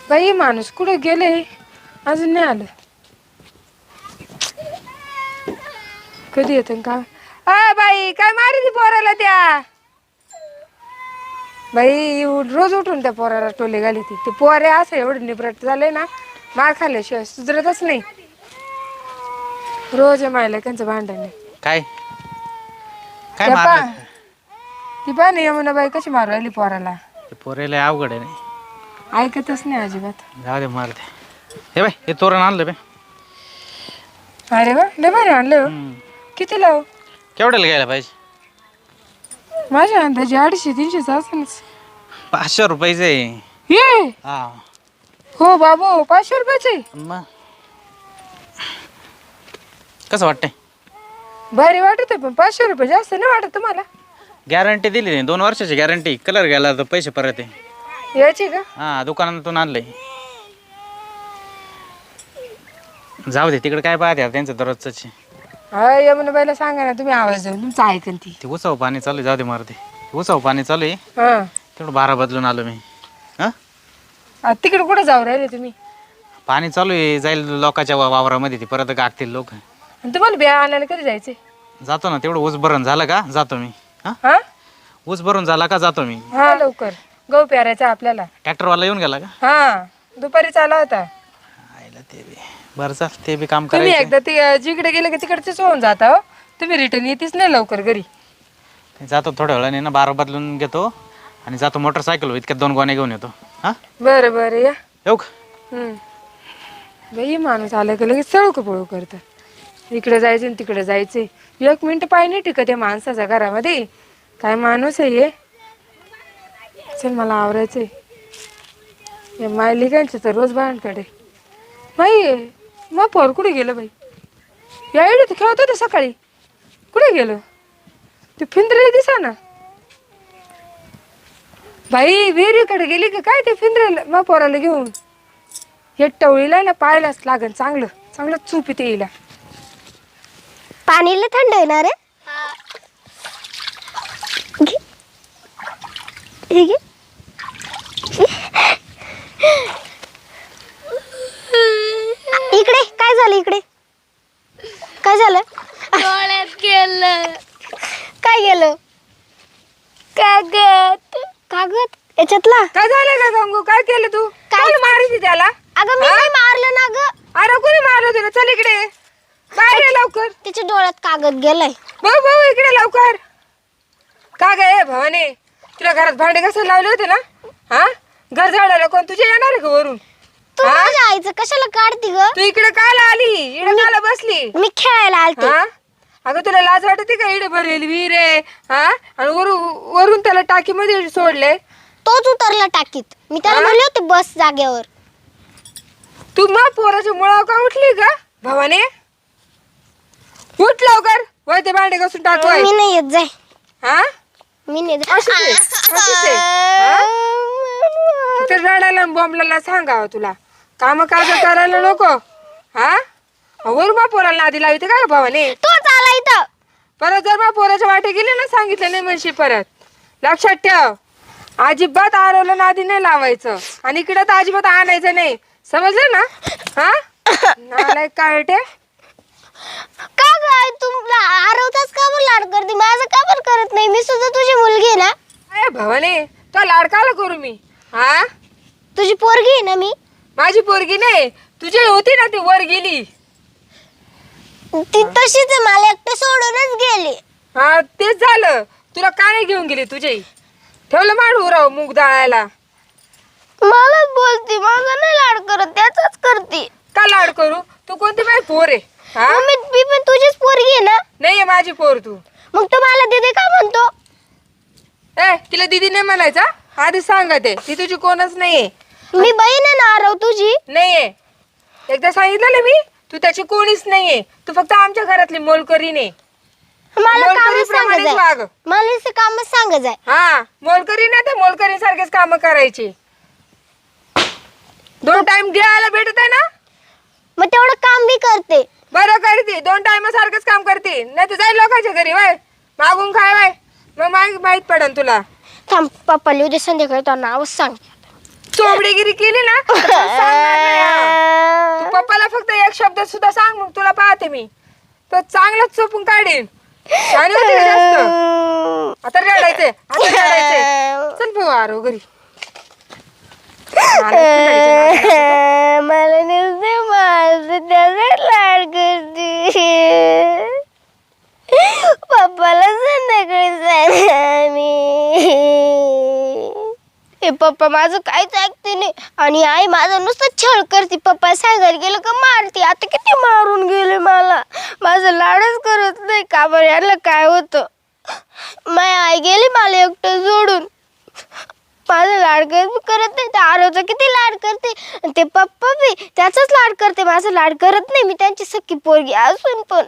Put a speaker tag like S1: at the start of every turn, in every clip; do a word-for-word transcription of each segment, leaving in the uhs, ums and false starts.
S1: बाई माणूस कुठे गेले अजून नाही आलं. कधी येत का? अ बाई काय मारी ती पोराला त्या बाई रोज उठून त्या पोराला टोले घाली ती ते पोरे असं एवढं निबरट झाले ना मार खाल्ल्याशिवाय सुधरतच नाही. रोज मायला त्यांचं भांडण आहे.
S2: काय काय
S1: त्या पा
S2: मारलं?
S1: ती पा नाही यमुना बाई कशी मारू राहिली पोराला.
S2: ते पोरेला अवघड आहे. नाही
S1: ऐकतच नाही अजिबात.
S2: जाऊ दे मारते. हे बाय हे तोरण आणलं बे.
S1: अरे वा लय भारी आणलं हो. किती लाव?
S2: केवढ्याला घ्यायला पाहिजे?
S1: माझ्या अंदाजे अडीचशे तीनशेच असेलच.
S2: पाचशे रुपयाचे
S1: ये
S2: हा.
S1: हो बाबू पाचशे रुपयाचे.
S2: मग कसं वाटतंय?
S1: भारी वाटत पण पाचशे रुपये जास्त नाही वाटत तुम्हाला?
S2: गॅरंटी दिली नाही, दोन वर्षाची गॅरंटी. कलर गेला तर पैसे परत आहे.
S1: याची का?
S2: हा दुकानातून आणलंय. जाऊ दे तिकडे काय पाहते त्यांचं दररोजच.
S1: हा यमुना बाईला सांगा ना तुम्ही आवाज देऊन तुमचं ऐकन ती.
S2: ते उसाव पाणी चालू आहे. जाऊ दे मारते. उसाव पाणी चालू आहे.
S1: हा
S2: तेवढं बारा बदलून आलो मी. हा
S1: तिकडे कुठे जाऊ राहिले तुम्ही?
S2: पाणी चालू आहे, जाईल लोकांच्या वा- वावरामध्ये. ती परत गागतील लोक.
S1: आणि तुम्हाला बिया आणायला कधी जायचे?
S2: जातो ना, तेवढं ऊस भरून झालं का जातो मी. हा
S1: हा
S2: ऊस भरून झाला का जातो मी.
S1: हा लवकर गहू प्यारायचा आपल्याला.
S2: ट्रॅक्टरवाला येऊन गेला का?
S1: हा दुपारी चाला होता.
S2: आईला ते बी बरं चाल, ते बी काम
S1: तुम्ही
S2: करायचं.
S1: एकदा ते जिकडे गेले की तिकडचेच होऊन जाता हो. तुम्ही रिटर्न येतेच नाही लवकर घरी.
S2: जातो थोड्या वेळाने ना, बारा बदलून घेतो आणि जातो मोटरसायकल. इतक्यात दोन गोण्या घेऊन येतो. हा
S1: बरं बरं या.
S2: येऊ का?
S1: हम्म बाई माणूस आला की लगेच सळू पळू करतात. इकडे जायचं आणि तिकडे जायचे. एक मिनिट पाय नाही टिकत या माणसाच्या घरामध्ये. काय माणूस आहे हे. चल मला आवरायचंय. या मायलिकांचे तर रोज बायांकडे. बाई मग पोर कुठे गेलं बाई? या इडे खेळत होते सकाळी. कुठे गेलं ते? फिंदरे दिसा ना बाई. विहिरीकडे गेली का काय ते फिंदरेला मग पोराला घेऊन? हे टवळीला ना पाहायलाच लागन. चांगलं चांगलं चूप येते येईला.
S3: पाणीला थंड येणार आहे. इकडे काय झालं? इकडे काय झालं?
S4: डोळ्यात गेलं.
S3: काय गेलं?
S4: कागद.
S3: कागद याच्यातला?
S1: काय झालं का गंगू? काय केलं तू? काय मारली त्याला?
S3: अगं मी नाही मारलं ना ग.
S1: अरे कोणी मारलं तुला? चल इकडे बाहेर ये लवकर.
S3: त्याच्या डोळ्यात कागद गेलाय.
S1: भाऊ भाऊ इकडे लवकर. का गे भवानी, तुला घरात भांडे कशाला लावले होते ना? हा घर झाडायला कोण तुझे येणार आहे का वरून?
S3: तू माझ्या आईचं कशाला काढती ग?
S1: तू इकडे काल आली? इकडे काला बसली?
S3: मी खेळायला आलते.
S1: हा अगं तुला लाज वाटते का? इकडे भरेल विहीर आहे. हा आणि वरून वरून त्याला टाकीमध्ये सोडले.
S3: तोच उतरला टाकीत. मी त्याला म्हणले होते बस जागेवर.
S1: तू मग पोराच्या मुळावर का उठली का भवानी? उठ लवकर. वय ते भांडे घासून टाकवाय.
S3: मी नाही येत. जाय.
S1: हा
S3: मी नाही येत.
S1: अशीच आहे, अशीच आहे. हा? फक्त रडायला बॉम्बला सांगावं तुला. काम काज करायला नको. हा वर बा पोराला नादी लावते का भावाने?
S3: तोच आला इथं.
S1: परत जर बा पोराच्या वाटे गेले ना, सांगितलं नाही म्हणशी परत. लक्षात ठेव. अजिबात आरवलं नादी नाही लावायचं. आणि इकडं तर अजिबात आणायचं नाही. समजलं ना? हा नालायक काळटे.
S3: का ग आई तुला आरवताच का बरं लाड करते? माझं का बरं करत नाही? मी सुद्धा तुझी मुलगी आहे ना.
S1: अरे भवाने तो लाडकाला करू मी? हा
S3: तुझी पोरगी आहे ना मी.
S1: माझी पोरगी नाही, तुझी होती ना ती वर गेली.
S3: ती तशीच आहे. मला एकटं सोडूनच गेली.
S1: हा तेच झालं. तुला का नाही घेऊन गेली? तुझे ठेवलं मांडू राव मूग दाळायला.
S3: मलाच बोलती. माझा नाही लाड करत, त्याचाच करते.
S1: का लाड करू? तू कोणती माझी पोर आहे? हा
S3: मम्मी मी पण तुझीच पोरगी आहे ना.
S1: नाहीये माझी पोर तू.
S3: मग तू मला दीदी का म्हणतो?
S1: ए तिला दीदी नाही म्हणायचा. आधी सांगते ती तुझी कोणच नाहीये.
S3: मी बहीण आहे ना आरव तुझी.
S1: नाहीये. एकदा सांगितलं ना मी, तू त्याची कोणीच नाहीये. तू फक्त आमच्या घरातली मोलकरी नाही.
S3: मला काम
S1: मोलकरीप्रमाणेच वाग.
S3: मला काम सांग जाय.
S1: हा मोलकरी ना, तर मोलकरी सारखेच काम करायचे. दोन टाइम घ्यायला भेटत आहे ना,
S3: मग तेवढं काम बी करते.
S1: बरं करते. दोन टाइम सारखंच काम करते. नाही तर जाईल लोकांच्या घरी वय मागून खाय वय. मग माहित पडन तुला.
S3: थांब पप्पा उद्या संध्याकाळी तो नावच सांग.
S1: चोबडीगिरी केली ना तर सांगणार नाही हा. तू पप्पाला फक्त एक शब्द सुद्धा सांग, मग तुला पाहते मी. तो चांगलाच चोपून काढेन. छान होते का जास्त? आता रडायचंय, आता रडायचंय. चल भाऊ आरो घरी.
S3: मला नुसते माझं त्याचा लाड करते. पप्पाला संध्याकाळी सांगा. हे पप्पा माझं काहीच ऐकते नाही आणि आई माझं नुसतं छळ करते. पप्पा सांगायला गेलं का मारते. आता किती मारून गेले मला. माझं लाडच करत नाही. का बरं याला काय होतं. माझी आई गेली मला एकटं सोडून. माझं लाड करत नाही. त्या आरोचा किती लाड करते आणि ते पप्पा बी त्याचाच लाड करते. माझं लाड करत नाही. मी त्यांची सख्खी पोरगी असून पण.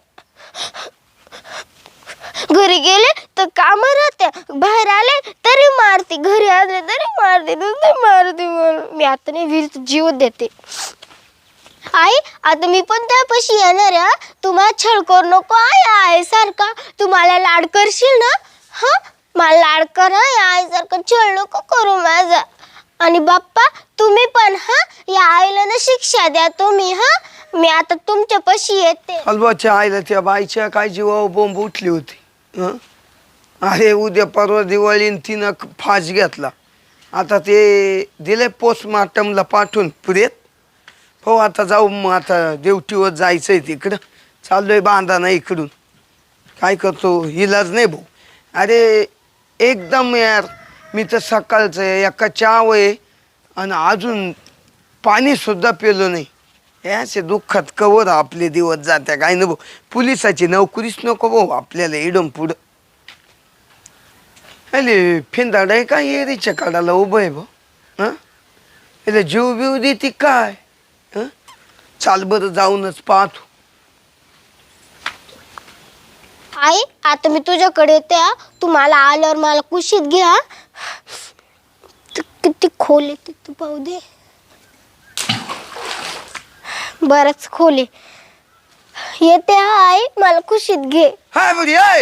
S3: घरी गेले तर काम राहत्या, बाहेर आले तरी मारते, घरी आले तरी मारते, नुसते मारते मला. मी आता नाही विहिरीत जीव देते. आई आता मी पण त्यापाशी येणार आहे. तू मला छळ करू नको आई. आई सारखा तू मला लाड करशील ना. हा मला लाड कर. आई सारखं छळ नको करू माझा. आणि बाप्पा तुम्ही पण हा या आईला ना शिक्षा द्या तुम्ही. हा मी आता तुमच्या पाशी येते.
S5: हलवाच्या आईला त्या बाईच्या काय जीवावर बोंब उठली होती. हं? अरे उद्या परवा दिवाळी तिनं फास घेतला. आता ते दिले पोस्टमार्टमला पाठवून पुरेत. हो आता जाऊ मग आता ड्युटीवर जायचं आहे तिकडं. चाललोय बांधाना इकडून. काय करतो इलाज नाही भाऊ. अरे एकदम यार मी तर सकाळचं एका चहा आहे आणि अजून पाणीसुद्धा पिलो नाही. याचे दुःखात कवर आपले दिवस जात्या काय न भाऊ. पोलिसाची नोकरीच नको भाऊ आपल्याला इडून पुढं. अरे फिंदाड आहे का एरीच्या काढायला उभं आहे भाऊ. हां याला जीव बिव देते काय. हं चाल बरं जाऊनच पाहतो.
S3: आई आता मी तुझ्याकडे येते. हा. तू मला आल्यावर मला कुशीत घ्या. किती खोल येते तू पाहू दे. बरंच खोल आहे. येते हा आई मला कुशीत घे.
S5: हाय बरी आहे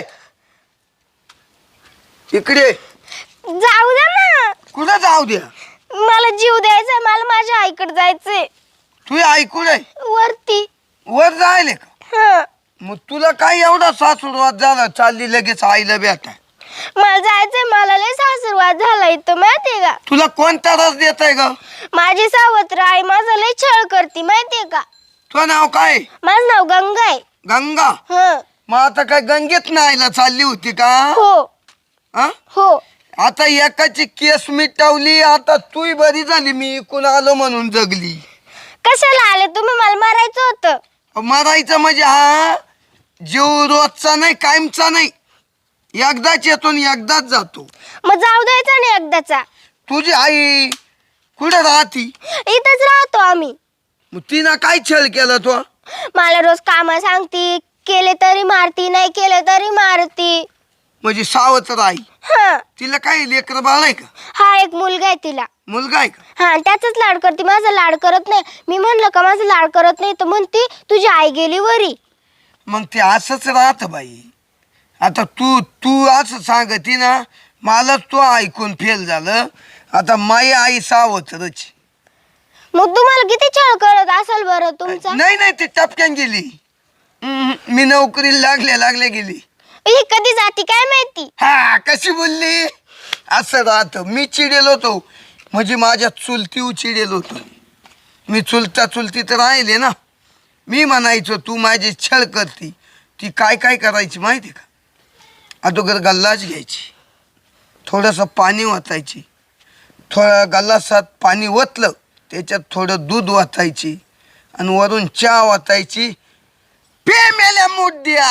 S5: इकडे.
S3: जाऊ दे ना.
S5: कुठं जाऊ द्या.
S3: मला जीव द्यायचा. मला माझ्या आईकडे जायचंय.
S5: तू ऐकून आहे
S3: वरती.
S5: वर जायले का.
S3: हा
S5: मग तुला काय एवढा सासूरवाद झाला चालली लगेच आईला भेटा.
S3: मला जायचंय. मला लय सासरवाद झाला इथं माहितीये का.
S5: तुला कोणता रस देत आहे ग.
S3: माझी सावत्र आई माझा लय छळ करते माहितीये का.
S5: तुझं नाव काय.
S3: माझं नाव गंगा आहे.
S5: गंगा.
S3: हं.
S5: मग आता काय गंगेत नाहीला चालली होती का.
S3: हो
S5: हा
S3: हो.
S5: आता एकाची केस मिटवली. आता तू बरी झाली. मी इकून आलो म्हणून जगली.
S3: कशाला आले तुम्ही. मला मारायचं होतं.
S5: मरायचं म्हणजे हा जीव रोजचा नाही कायमचा नाही. एकदाच येतो आणि एकदाच जातो.
S3: मग जाऊ द्यायचा नाही एकदाचा.
S5: तुझी आई कुठं राहती.
S3: इथंच राहतो आम्ही.
S5: मग तिनं काय छळ केला तो.
S3: मला रोज काम सांगती. केले तरी मारती नाही केले तरी मारती.
S5: म्हणजे सावत्र आई.
S3: हा
S5: तिला काय लेकर बाळ आहे का.
S3: हा एक मुलगा आहे तिला.
S5: मुलगा आहे का.
S3: हा त्याचाच लाड करते. माझा लाड करत नाही. मी म्हणलं का माझा लाड करत नाही तर म्हणते तुझी आई गेली वरी.
S5: मग ते असंच राहत बाई. आता तू तू असं सांगती ना मलाच तो ऐकून फेल झालं. आता माई आई सावत्रच.
S3: मग तुम्हाला किती छळ करत असेल बरं तुमचा.
S5: नाही नाही ती टपक्यान गेली. हम्म, मी नोकरीला लागल्या लागल्या गेली.
S3: ही कधी जाती काय माहिती.
S5: हा कशी बोलली. असं राहत. मी चिडेल होतो म्हणजे माझ्या चुलती चिडेल होतो. मी चुलता चुलती तर राहिले ना. मी म्हणायचो तू माझी छळ करती. ती काय काय करायची माहिती का. अगोदर गल्लाच घ्यायची. थोडंसं पाणी ओतायची. थोडा गल्लासात पाणी ओतलं त्याच्यात थोडं दूध ओतायची आणि वरून चहा ओतायची. पे मेल्या मुद्द्या.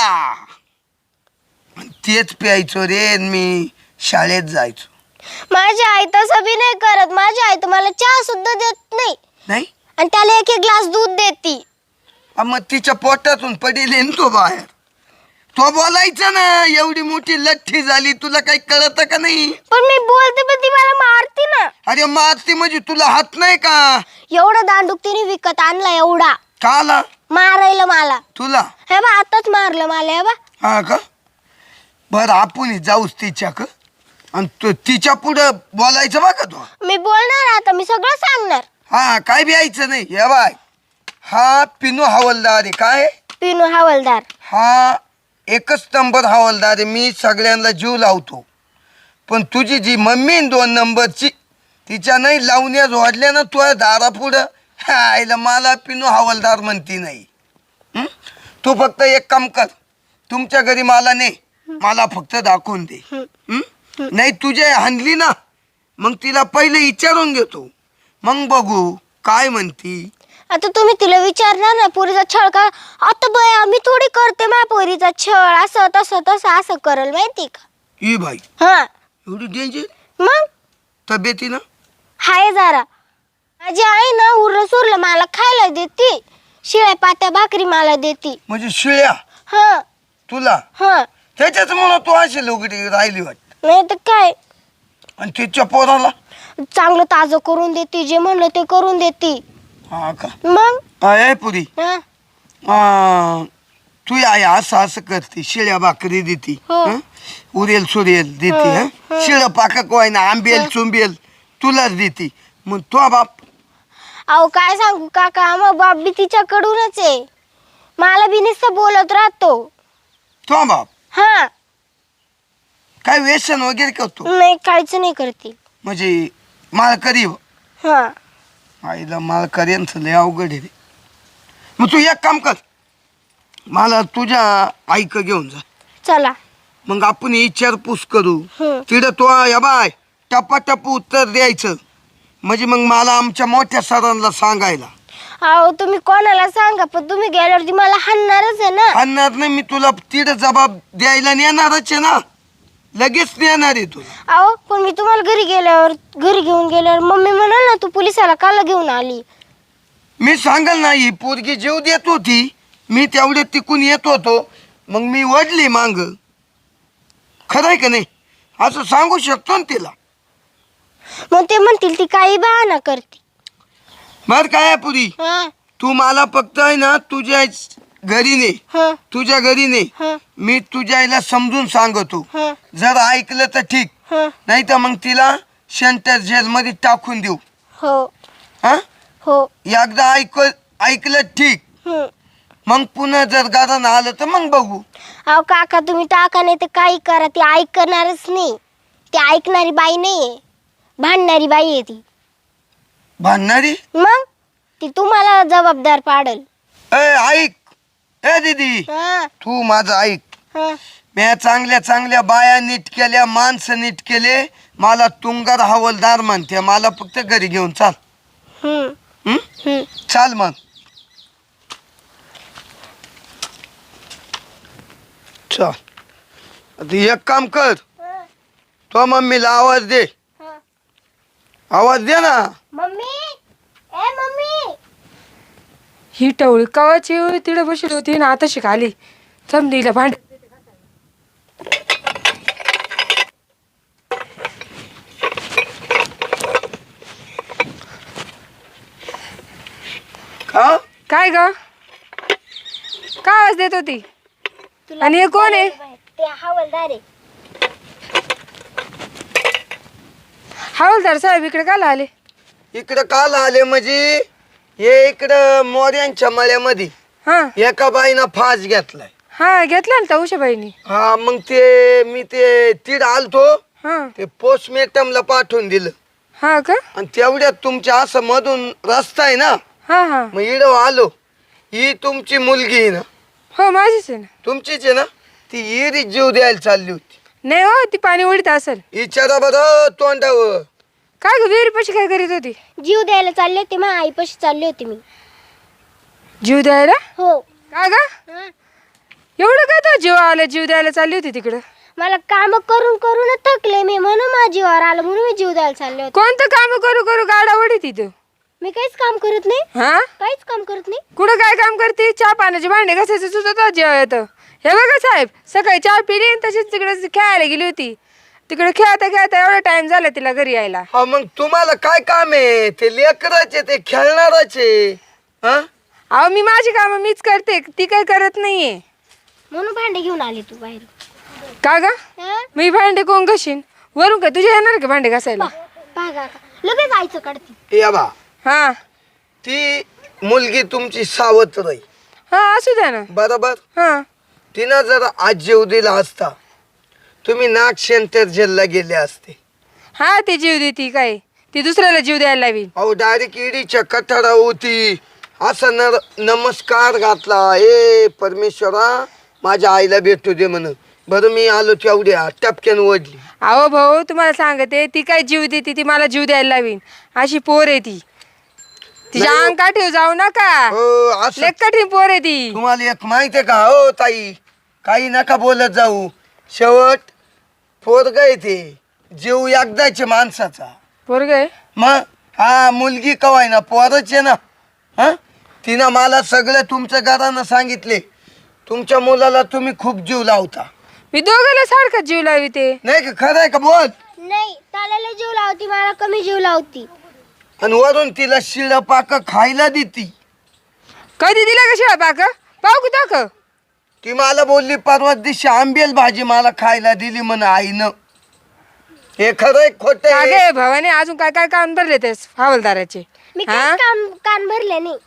S5: तेच प्यायचो रे. मी शाळेत जायचो.
S3: माझी आई तसं बी नाही करत. माझी आई तर मला चहा सुद्धा देत नाही.
S5: नाही
S3: आणि त्याला एक एक ग्लास दूध देती.
S5: मग तिच्या पोटातून पडेल तो बाहेर. तो बोलायचं ना एवढी मोठी लठ्ठी झाली तुला काही कळत का नाही.
S3: पण मी बोलते पण ती मला मारती ना.
S5: अरे मारती म्हणजे तुला हात नाही का.
S3: एवढा दांडूक तिने विकत आणला एवढा.
S5: का आला
S3: मारायला मला.
S5: तुला.
S3: हे बा आताच मारलं मला. हे बा
S5: हा का. बरं आपण जाऊच तिच्या का. आणि तू तिच्या पुढं बोलायचं बघा तू.
S3: मी बोलणार आता, मी सगळं सांगणार.
S5: हा काय बी यायचं नाही. हे बाय, हा पिनू हवालदार आहे. काय
S3: पिनू हवालदार.
S5: हा एकच नंबर हवालदार आहे. मी सगळ्यांना जीव लावतो. पण तुझी जी मम्मी न दोन नंबरची, तिच्या नाही लावण्या जोडल्या ना तुझ्या दारापुढं, आईला मला पिनू हवालदार म्हणती नाही. हं? तू फक्त एक काम कर, तुमच्या घरी मला नाही, मला फक्त दाखवून दे. हं? नाही तुझे हाणली ना, मग तिला पहिले विचारून घेतो, मग बघू काय म्हणती.
S3: आता तुम्ही तिला विचारणार ना पोरीचा छळ का? आता बाय आम्ही थोडी करते माझ्या पोरीचा छळ, असं तसं तसं असं करल माहिती का?
S5: ई बाई
S3: हा
S5: एवढी डेंजर
S3: मग
S5: तब्येतीनं.
S3: हाय जरा. माझी आई ना उरलं सुरलं मला खायला देते, शिळ्या पात्या भाकरी मला देते.
S5: म्हणजे शिळ्या
S3: हा
S5: तुला,
S3: हा.
S5: त्याच्याच म्हणून तू अशी लोकडी राहिली वाट.
S3: नाही तर काय,
S5: आणि तिच्या पोराला
S3: चांगलं ताजं करून देते, जे म्हणलं ते करून देते.
S5: हा का?
S3: मग
S5: आहे पुरी.
S3: हा
S5: आ, तू आई असं असं करते, शिळ्या भाकरी देते,
S3: हो.
S5: हं? उरेल सुरेल देते, हं? शिळ पाकक वाय ना, आंबेल चुंबेल तुलाच देते. मग तो बाप
S3: अहो काय सांगू काका, मग बाप बी तिच्याकडूनच आहे, मला बी नुसतं बोलत राहतो.
S5: तो बाप
S3: हा
S5: काय व्यसन वगैरे करतो?
S3: नाही काहीच नाही करते.
S5: म्हणजे मालकरी हो.
S3: हा
S5: आईला मालकरी यांचं लय अवघड आहे रे. मग तू एक काम कर, मला तुझ्या आईक घेऊन जा,
S3: चला.
S5: मग आपण विचारपूस करू.
S3: हं.
S5: तिथं तो या बाय टप्पा टप्पू उत्तर द्यायचं, म्हणजे मग मला आमच्या मोठ्या सरांना सांगायला.
S3: अहो तुम्ही कोणाला सांगा, पण तुम्ही गेल्यावरती मला हाणणारच आहे ना.
S5: आणणार नाही मी तुला, तिथं जबाब द्यायला नेणारच आहे ना, लगेच नेणार आहे तुला.
S3: अहो पण मी तुम्हाला घरी गेल्यावर घरी घेऊन गेल्यावर मम्मी म्हणाल ना तू पोलिसाला काला घेऊन आली.
S5: मी सांगाल ना, ही पोरगी जीव देत होती, मी तेवढे तिकून येत होतो, मग मी वडली मांग. खरं आहे का नाही? असं सांगू शकतो ना तिला.
S3: मग ते म्हणतील ती काही बहाना करते.
S5: बर काय आहे पुरी,
S3: हा
S5: तू मला फक्त आहे ना तुझ्या घरी ने,
S3: हा
S5: तुझ्या घरी ने,
S3: हा
S5: मी तुझ्या आईला समजून सांगतो.
S3: हा
S5: जर ऐकलं तर ठीक,
S3: हा.
S5: नाही तर मग तिला सेंटर जेल मध्ये टाकून देऊ.
S3: हो
S5: हा
S3: हो.
S5: एकदा ऐक ऐकलं ठीक,
S3: हं.
S5: मग पुन्हा जर गाणं आलं तर मग बघू.
S3: अहो काका तुम्ही टाका नाही तर काही करा, ती ऐकणारच नाही. ती ऐकणारी बाई नाहीये, भांडणारी बाई आहे ती.
S5: भांडणारी?
S3: मग ती तुम्हाला जबाबदार पाडल.
S5: ए ऐक, ए दीदी,
S3: हा
S5: तू माझं ऐक.
S3: हा.
S5: म्या चांगल्या चांगल्या बाया नीट केल्या, माणसं नीट केले, मला तुंगार हवालदार म्हणते, मला फक्त घरी घेऊन चाल.
S3: हं.
S5: हं?
S3: हं.
S5: चाल मग. चल आता एक काम कर, तो मम्मीला आवाज दे.
S3: हा.
S5: आवाज दे ना.
S3: मम्मी, ए मम्मी.
S1: ही टवळी कवाची तिकडे बसली होती ना, आता शिकाली समजीला भांड.
S5: का
S1: काय ग, का आवाज देत होती? आणि हे कोण आहे?
S3: ते हवालदार आहे.
S1: हवालदार साहेब इकडे काला आले?
S5: इकडं काल आले म्हणजे हे इकडं मोर्यांच्या मळ्यामध्ये
S1: हा
S5: एका बाईनं फास घेतलाय.
S1: हा घेतला ना त्या उषाबाईनी.
S5: हा मग ते मी ते तीड आलतो,
S1: हा
S5: ते पोस्टमॉर्टमला पाठवून दिलं.
S1: हा का?
S5: आणि तेवढ्यात तुमच्या असं मधून रस्ता आहे ना,
S1: हा हा
S5: मग इडं आलो. ही तुमची मुलगी आहे ना?
S1: हो माझीच आहे ना.
S5: तुमचीच आहे ना? ती इरी जीव द्यायला चालली होती.
S1: नाही हो, ती पाणी उडीत असेल.
S5: विचारा बरं तोंडावर.
S1: काय ग विहिरी पशी काय करीत होती?
S3: जीव द्यायला चालले होते, माझ्या आईपाशी चालले होते मी.
S1: जीव द्यायला?
S3: हो.
S1: का ग
S3: हा.
S1: एवढं काय तो जीव आला, जीव द्यायला चालली होती तिकडं?
S3: मला काम करून करून थकले मी, म्हणून माझ्या जीवावर आलं, म्हणून मी जीव द्यायला चालले होते.
S1: कोणतं काम करू करू गाडा उडी तिथं?
S3: मी काहीच काम करत नाही,
S1: हा
S3: काहीच काम करत नाही.
S1: कुठं काय काम करते? चहा पाण्याचे भांडे घासायचं सुद्धा जेव्हा येतं. हे बघा साहेब, सकाळी चहा पिली आणि तशीच तिकडे खेळायला गेली होती. तिकडे खेळता खेळता एवढा टाइम झाला तिला घरी यायला.
S5: हा मग तुम्हाला काय काम आहे? ते लेकराचे, ते खेळणाराचे. हा
S1: अहो मी माझी कामं मीच करते, ती काही करत नाहीये.
S3: म्हणून भांडे घेऊन आली तू बाहेर.
S1: का ग
S3: हा?
S1: मी भांडे कोण घशीन? वरून काय तुझे येणार का भांडे घासायला?
S3: पहा काका लगेच आईचं काढते.
S5: या बा
S1: हा
S5: ती मुलगी तुमची सावत्र आहे
S1: हा असू द्या ना.
S5: बरोबर.
S1: हा
S5: तिनं जर आज जीव दिला असता तुम्ही नाग सेंटर जेलला गेले असते.
S1: हा ती जीव देती काय, ती दुसऱ्याला जीव द्यायला लावी.
S5: अहो डायरेक्ट ईडीच्या कठारा होती असं नर नमस्कार घातला, ए परमेश्वरा माझ्या आईला भेटू दे म्हणून. बरं मी आलो तेवढ्या टपक्यान ओढली.
S1: अहो भाऊ तुम्हाला सांगते, ती काय जीव देते, ती मला जीव द्यायला लावीन अशी पोर आहे ती. तिच्या
S5: नाही.
S1: अंग काठीव जाऊ नका,
S5: हो असं
S1: लेक कठीण पोर आहे ती.
S5: तुम्हाला एक माहिती आहे का हो ताई, काही नका बोलत जाऊ. शेवट पोरग आहे ते, जीव एकदाचे माणसाचा.
S1: पोरग आहे.
S5: मग हा मुलगी कवाय ना पोरच आहे ना. हा तिनं मला सगळं तुमच्या घरानं सांगितले. तुमच्या मुलाला तुम्ही खूप जीव लावता.
S1: मी दोघाला सारखा जीव लावी ते.
S5: नाही का, खरं आहे का बोल.
S3: नाही त्याला जीव लावती, मला कमी जीव लावती.
S5: आणि वरून तिला शिळ पाक खायला देती.
S1: कधी दिला का शिळा पाक? पाहू की दाख.
S5: ती मला बोलली परवा दिवशी आंबेल भाजी मला खायला दिली म्हण आईनं. हे खरं आहे खोट आहे?
S1: गे भावाने अजून काय काय काम भरले ते हवालदाराचे?
S3: मी
S1: हा?
S3: काही काम कान भरले नाही.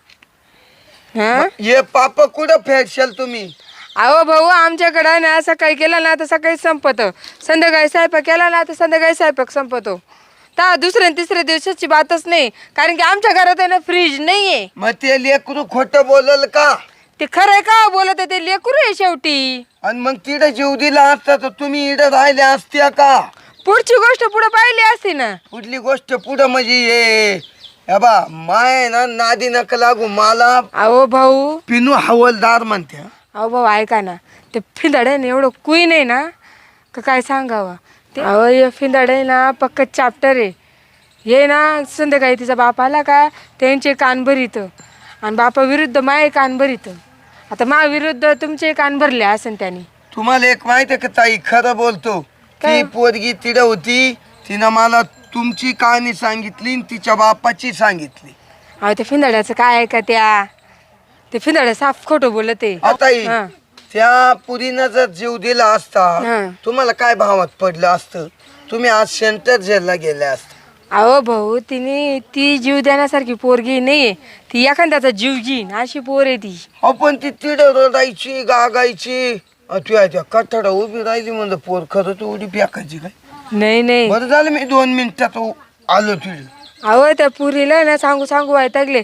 S1: हा
S5: हे पाप कुठं फेडशाल तुम्ही?
S1: अहो भाऊ आमच्याकडं ना सकाळी केला ना तर सकाळी संपत, संध्याकाळी स्वयंपाक केला ना तर संध्याकाळी स्वयंपाक संपतो. तर दुसऱ्या आणि तिसऱ्या दिवसाची बातच नाही, कारण की आमच्या घरात आहे ना फ्रीज नाहीये.
S5: मग ते लेकरू खोटं बोलल का?
S1: ते खरं आहे का बोलत आहे, ते लेकरू आहे शेवटी.
S5: आणि मग तिथं जीव दिला असता तर तुम्ही इथं राहिल्या असत्या का?
S1: पुढची गोष्ट पुढे पाहिली असती ना.
S5: कुठली गोष्ट पुढं म्हणजे ये हे बा माय ना नादी नका लागू मला.
S1: अहो भाऊ
S5: पिनू हवलदार म्हणत्या.
S1: अहो भाऊ ऐका ना, ते फिंदाड्याने एवढं कुई नाही ना का काय सांगावं ते. अहो हे फिंदाडे ना पक्क चॅप्टर आहे. हे ना संध्याकाळी तिचा बाप आला का त्यांचे कान भरीत, आणि बापा विरुद्ध माये कान भरीत. आता मा विरुद्ध तुमचे कान भरले असेल त्याने.
S5: तुम्हाला एक माहिती आहे का ताई, खरं बोलतो.
S1: काय?
S5: ती पोरगी तिथं होती, तिनं मला तुमची कहाणी सांगितली आणि तिच्या बापाची सांगितली.
S1: अहो ते फिंदाड्याचं काय आहे का त्या, ते फिंदाड्या साफ खोटं बोलत आहे.
S5: ताई
S1: हा.
S5: त्या पुरीनं जर जीव दिला असता
S1: हा.
S5: तुम्हाला काय भावात पडलं असतं? तुम्ही आज सेंटर जेलला गेल्या असता.
S1: अहो भाऊ तिने ती जीव देण्यासारखी पोरगी नाहीये, ती एखाद्याचा जीव घेईन अशी पोर आहे ती.
S5: अहो पण ती तिड रडायची गागायची, तू त्या कठाडा उभी राहिली म्हणजे पोर खरं तर उडी फेकायची काय.
S1: नाही नाही
S5: बरं झालं मी दोन मिनिटात आलो तिथे.
S1: अहो त्या पुरीला ना सांगू सांगू वैतागले.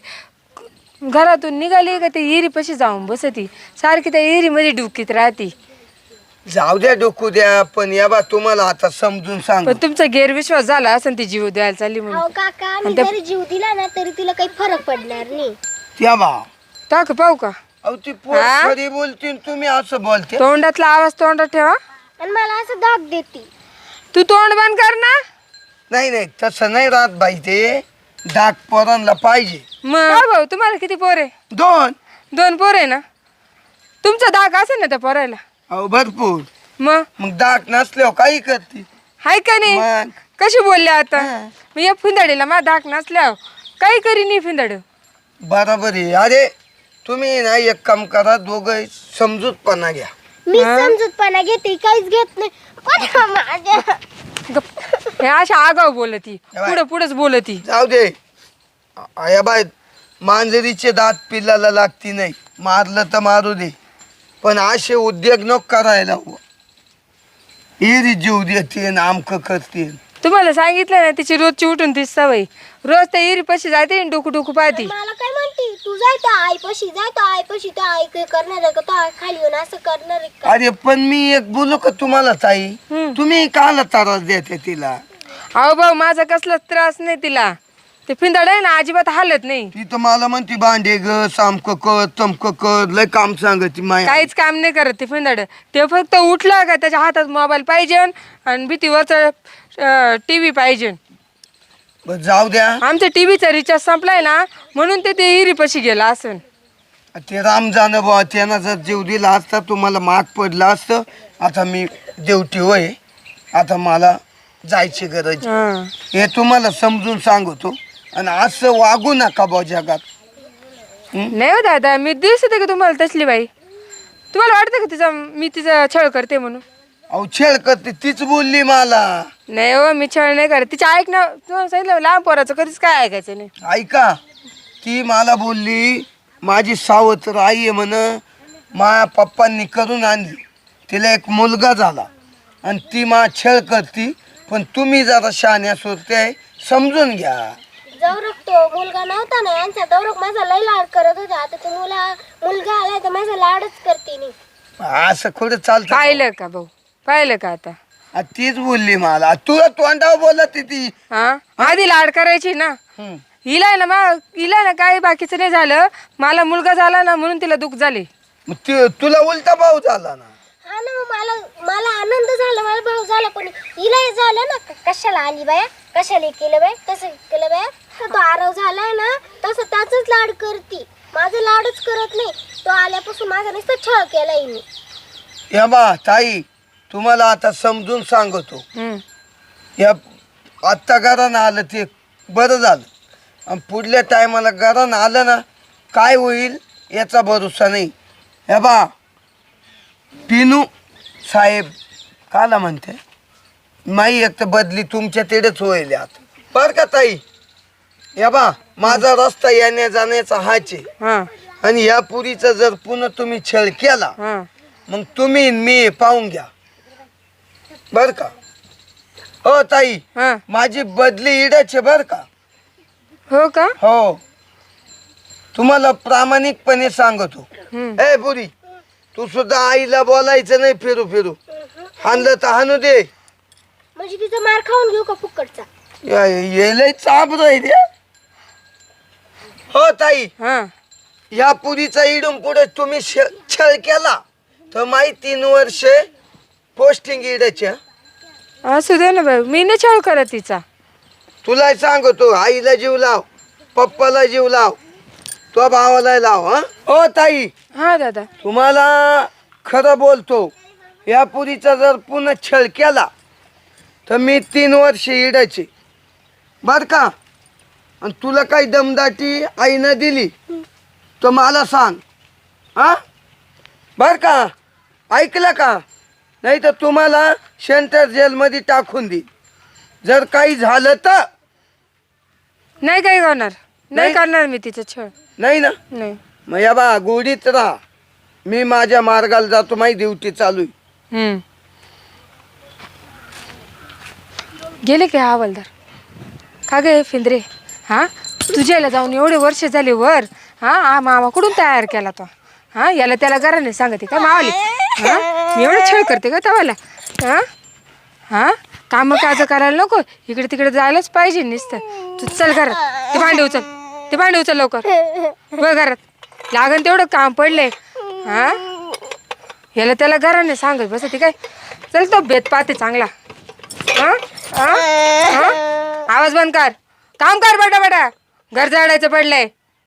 S1: घरातून निघाली का ते हिरीपाशी जाऊन बसती, सारखी त्या हिरीमध्ये डुकीत राहती.
S5: जाऊ द्या डोकू द्या, पण या बा तुम्हाला आता समजून सांग.
S1: पण तुमचा गैरविश्वास झाला असं ती जीव द्यायला चालली
S3: अहो
S1: म्हणून.
S3: काका मी जरी जीव दिला ना तरी तिला काही फरक पडणार नाही.
S5: त्या बा
S1: टाक पाहू का?
S5: अहो ती पोर
S1: हा?
S5: खरी बोलते आणि तुम्ही असं बोलते.
S1: तोंडातला आवाज तोंडात ठेवा.
S3: आणि मला असं दाग देते.
S1: तू तोंड बंद कर ना.
S5: नाही नाही तसं नाही राहत बाई, ते डाक पोरांना पाहिजे.
S1: मग हा भाऊ तुम्हाला किती पोर आहे?
S5: दोन.
S1: दोन पोर आहे ना. तुमचा दाग असेल ना त्या पोरायला.
S5: अहो भरपूर.
S1: मग
S5: मग डाक नसल्यावर काही करते.
S1: हाय का नाही?
S5: मग
S1: कशी बोलले आता?
S5: हा.
S1: मी या फिंदाडीला माझा दाग नसल्यावर काही करी नाही फिंदाड.
S5: बरोबर आहे. अरे तुम्ही ना एक काम करा, दोघं समजूतपणा घ्या.
S3: मी समजूतपणा घेते, काहीच घेत नाही. पण माझ्या
S1: हे अशा आगाव बोलती, पुढे पुढेच बोलती.
S5: जाऊ दे. या बाय मांजरीचे दात पिल्लाला लागती नाही, मारलं तर मारू दे, पण असे उद्योग नको करायला. हिरी जीव देते आमक करते.
S1: तुम्हाला सांगितलं ना तिची रोजची उठून ती सवय. रोज त्या इरी पशी जाते आणि डोकू डोकू पाहती.
S3: मला काय म्हणते, तू जाय तर आईपाशी, जाय तर आईपाशी, तर आई काय करणार आहे का, तो आई खाली येऊन असं करणार आहे का?
S5: अरे पण मी एक बोलू का तुम्हाला ताई, तुम्ही काला त्रास देते तिला?
S1: अहो भाऊ माझा कसलाच त्रास नाही तिला. ते फिंदाड आहे ना अजिबात हालत नाही.
S5: ती तर मला म्हणते भांडे ग सामक कर तमक कर, लय काम सांगते माया.
S1: काहीच काम नाही करत ते फिंदाड. ते फक्त उठला का त्याच्या हातात मोबाईल पाहिजे आणि भीतीवरचा टीव्ही पाहिजे.
S5: बरं, जाऊ द्या.
S1: आमच्या टीव्हीचा रिचार्ज संपलाय ना म्हणून ते ते हिरीपाशी गेला असन.
S5: ते राम जाणं बुवा, त्यांना जर जीव दिला असता तुम्हाला माग पडलं असतं. आता मी देवटी होय, आता मला जायची गरज.
S1: हा.
S5: हे तुम्हाला समजून सांगतो. आणि असं वागू नका बुवा जगात.
S1: नाही हो दादा, मी दिसते का तुम्हाला तसली बाई? तुम्हाला वाटतं का तिचा मी तिचा छळ करते म्हणून?
S5: अहो छेड करते तीच बोलली मला.
S1: नाही हो मी छळ नाही करत तिच्या ऐक ना तू सांगितलं लहान पोराचं कधीच काय ऐकायचं नाही.
S5: ऐका ती मला बोलली माझी सावत्र आई आहे म्हण माझ्या पप्पांनी करून आणली तिला एक मुलगा झाला आणि ती मा छळ करती पण तुम्ही जरा शहाण्या सुरते आहे समजून घ्या.
S3: दौरक तो मुलगा नव्हता ना यांचा दौरक माझा लय लाड करत होता आता तो मुला मुलगा आलाय तर माझा लाडच करते नी.
S5: असं कुठं चालतं
S1: पाहिलं का भाऊ पाहिलं का आता
S5: आ, तीच बोलली मला तुला तोंडावर बोलत ती.
S1: हा आधी लाड करायची ना
S5: हम्म.
S1: हिला आहे ना मग हिला ना काही बाकीचं नाही झालं मला मुलगा झाला ना म्हणून तिला दुःख झाले.
S5: मग ती- तुला उलटा भाऊ झाला ना.
S3: हा ना मग मला मला आनंद झाला मला भाऊ झाला पण हिलाही झालं ना क- कशाला आली बाया कशाला केलं बाय कसं केलं बाया तर तो आरव झालाय ना तसं त्याचंच लाड करती माझं लाडच करत नाही तो आल्यापासून माझा नुसतं छळ केलाय मी.
S5: या बा ताई तुम्हाला आता समजून सांगतो
S1: हम्म.
S5: या आत्ता घरानं आलं ते बरं झालं आणि पुढल्या टायमाला घरानं आलं ना काय होईल याचा भरोसा नाही. हे बा पिनू साहेब काला म्हणते माई एक तर बदली तुमच्या तिकडेच होईल आता बरं का ताई. या बा माझा रस्ता येण्या जाण्याचा हाच आहे
S1: हा
S5: आणि या पुरीचा जर पुन्हा तुम्ही छळ केला
S1: हा
S5: मग तुम्ही न मी पाहून घ्या बर का. हो ताई
S1: हा
S5: माझी बदली इडाचे बर का.
S1: हो का
S5: हो तुम्हाला प्रामाणिकपणे सांगतो.
S1: हम्म.
S5: ए पुरी तू सुद्धा आईला बोलायचं नाही फिरू फिरू हाणलं तर हाणू दे.
S3: म्हणजे तिचा मार खाऊन घेऊ का फुकटचा.
S5: येलय चाप राहील. हो ताई
S1: हा
S5: या पुरीचा इडून पुढे तुम्ही श- छळ केला तर माई तीन वर्ष पोस्टिंग इडाच्या.
S1: असू दे ना बाई मी नाही छळ करत तिचा.
S5: तुला सांगतो आईला जीव लाव पप्पाला जीव लाव तो भावाला लाव. हा ओ ताई
S1: हा दादा
S5: तुम्हाला खरं बोलतो या पुरीचा जर पुन्हा छळ केला तर मी तीन वर्ष इडायचे बर का. आणि तुला काही दमदाटी आईनं दिली तर मला सांग हा बर का. ऐकलं का नाही तर तुम्हाला सेंट्रल जेलमध्ये टाकून दे जर काही झालं तर.
S1: नाही काही होणार नाही
S5: नाही?
S1: करणार मी तिचं छळ
S5: नाही ना
S1: नाही.
S5: मग या बा गोडीत राहा मी माझ्या मार्गाला जातो माझी ड्युटी चालू आहे.
S1: हम्म. गेले काय हवालदार का गे फिंदरे हा तुझ्याला जाऊन एवढे वर्ष झाले वर हा हा मामा कुठून तयार केला तो हा याला त्याला घराने सांगते का मावाली हा मी एवढं छळ करते का तवाला हा हा कामं काज करायला नको इकडे तिकडे जायलाच पाहिजे नुसतं तू चल घरात ते भांडे उचल ते भांडे उचल लवकर बघ घरात लागन तेवढं काम पडलंय हा याला त्याला घराने सांगत बस ते काय चल तो बेत पाहते चांगला हा हा हा आवाज बंद कर काम कर बेटा बेटा घर झाडायचं पडलंय